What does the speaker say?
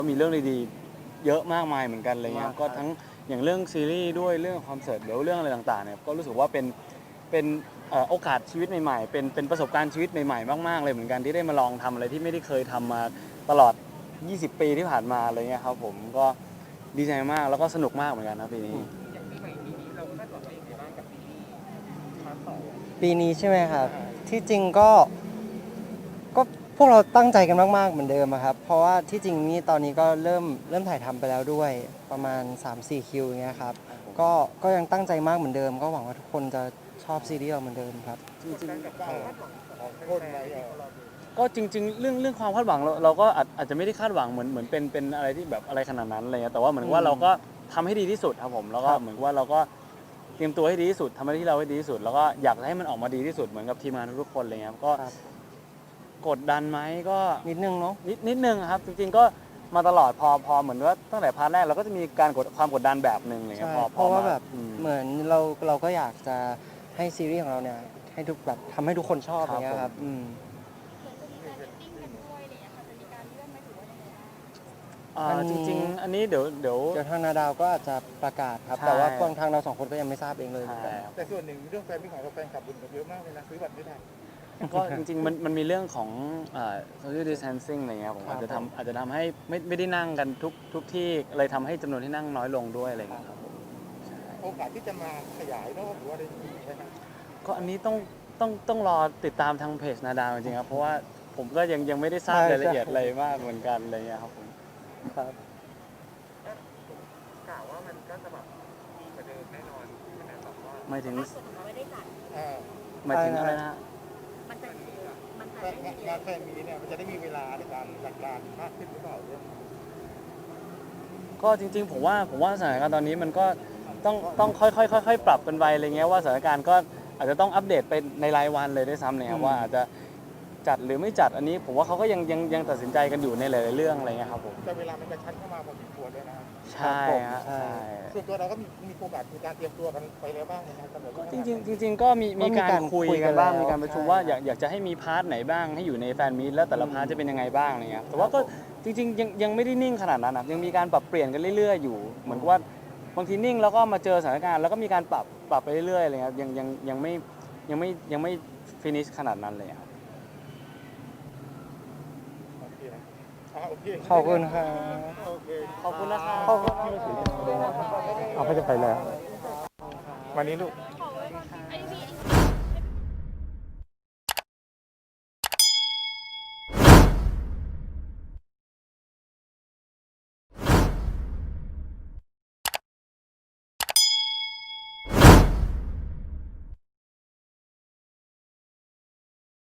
ก็มีเรื่องดีๆเยอะมากมายเหมือนกันอะไรเงี้ยก็ทั้งอย่างเรื่องซีรีส์ด้วยเรื่องคอนเสิร์ตเดี๋ยวเรื่องอะไรต่างๆเนี่ยก็รู้สึกว่าเป็นโอกาสชีวิตใหม่ๆเป็นประสบการณ์ชีวิตใหม่ๆมากๆเลยเหมือนกันที่ได้มาลองทำอะไรที่ไม่ได้เคยทำมาตลอด20 ปีที่ผ่านมาอะไรเงี้ยครับผมก็ดีใจมากแล้วก็สนุกมากเหมือนกันนะปีนี้อย่างปีใหม่ปีนี้เราคาดหวังอะไรยังไงบ้างกับซีรีส์พาร์ท2 ปีนี้ใช่ไหมครับที่จริงก็พวกเราตั้งใจกันมากๆเหมือนเดิมอะครับเพราะว่าที่จริงนี่ตอนนี้ก็เริ่มถ่ายทำไปแล้วด้วยประมาณ 3-4 คิวอย่างเงี้ยครับก็ยังตั้งใจมากเหมือนเดิมก็หวังว่าทุกคนจะชอบซีรีส์เราเหมือนเดิมครับจริงๆกับความคาดหวังของคนไหนเราดูก็จริงๆเรื่องความคาดหวังเราก็อาจจะไม่ได้คาดหวังเหมือนเป็นอะไรที่แบบอะไรขนาดนั้นอะไรเงี้ยแต่ว่าเหมือนว่าเราก็ทำให้ดีที่สุดครับผมแล้วก็เหมือนว่าเราก็เตรียมตัวให้ดีที่สุดทำหน้าที่เราให้ดีที่สุดแล้วก็อยากให้มันออกมาดีที่สุดเหมือนกับทีมงานทุกๆคนอะไรเงี้ยก็กดดันไหมก็นิดนึงเนาะนิดนึงครับจริงๆก็มาตลอดพอเหมือนว่าตั้งแต่พาร์ทแรกเราก็จะมีการความกดดันแบบหนึ่งอะไรเงี้ใช่ยเพราะว่าแบบอืมเหมือนเราก็อยากจะให้ซีรีส์ของเราเนี่ยให้ทุกแบบทำให้ทุกคนชอบอย่างเงี้ยครับจริงๆอันนี้เดี๋ยวเดี๋ยวทางนาดาวก็อาจจะประกาศครับใช่แต่ว่าทางเราสองคนก็ยังไม่ทราบเองเลยเหมือนกันแต่ส่วนหนึ่งเรื่องแฟนมิตรของเราแฟนคลับบุญเยอะมากเลยนะซื้อบัตรไม่ได้ก็จริงๆมันมีเรื่องของsocial distancing อะไรเงี้ยผมอาจจะทำให้ไม่ได้นั่งกันทุกที่เลยทำให้จำนวนที่นั่งน้อยลงด้วยอะไรเงี้ยครับผมโอกาสที่จะมาขยายรอบหรือว่าอะไรอย่างนี้ใช่ไหมก็อันนี้ต้องรอติดตามทางเพจนาดาวจริงๆครับเพราะว่าผมก็ยังไม่ได้ทราบใช่รายละเอียดอะไรมากเหมือนกันอะไรเงี้ยครับผมครับกล่าวว่ามันก็จะแบบดีกว่าเดิมแน่นอนใช่ไหมแบบว่าหมายถึงเราไม่ได้จัดหมายถึงอะไรนะฮะมันจะมันจะงานแฟนมีเนี่ยมันจะได้มีเวลาในการจัดการมากขึ้นหรือเปล่าเนี่ยก็จริงๆผมว่าสถานการณ์ตอนนี้มันก็ต้องค่อยๆปรับกันไปอะไรเงี้ยว่าสถานการณ์ก็อาจจะต้องอัปเดตไปในรายวันเลยด้วยซ้ำเนี่ยครับว่าอาจจะจัดหรือไม่จัดอันนี้ผมว่าเขาก็ยังตัดสินใจกันอยู่ในหลายๆเรื่องอะไรเงี้ยครับผมแต่เวลามันกระชั้นเข้ามาพอสมควรด้วยนะครับใช่ฮะใช่ใช่ส่วนตัวเราก็มีโอกาสมีการเตรียมตัวกันไปแล้วบ้างนะครับสำหรับก็จริงๆก็มีการคุยกันบ้างมีการประชุมว่าอยากจะให้มีพาร์ทไหนบ้างให้อยู่ในแฟนมีตแล้วแต่ละพาร์ทจะเป็นยังไงบ้างอะไรเงี้ยแต่ว่าก็จริงๆยังไม่ได้นิ่งขนาดนั้นนะยังมีการปรับเปลี่ยนกันเรื่อยๆอยู่เหมือนกับว่าบางทีนิ่งแล้วก็มาเจอสถานการณ์แล้วก็มีการปรับไปเรื่อยๆอะไรเงี้ยยังไม่ฟินิชขนาดนั้นเลยครับโอเคขอบคุณครับโอเคขอบคุณนะครับขอบคุณเอาไปจะไปแล้ววันนี้ลูก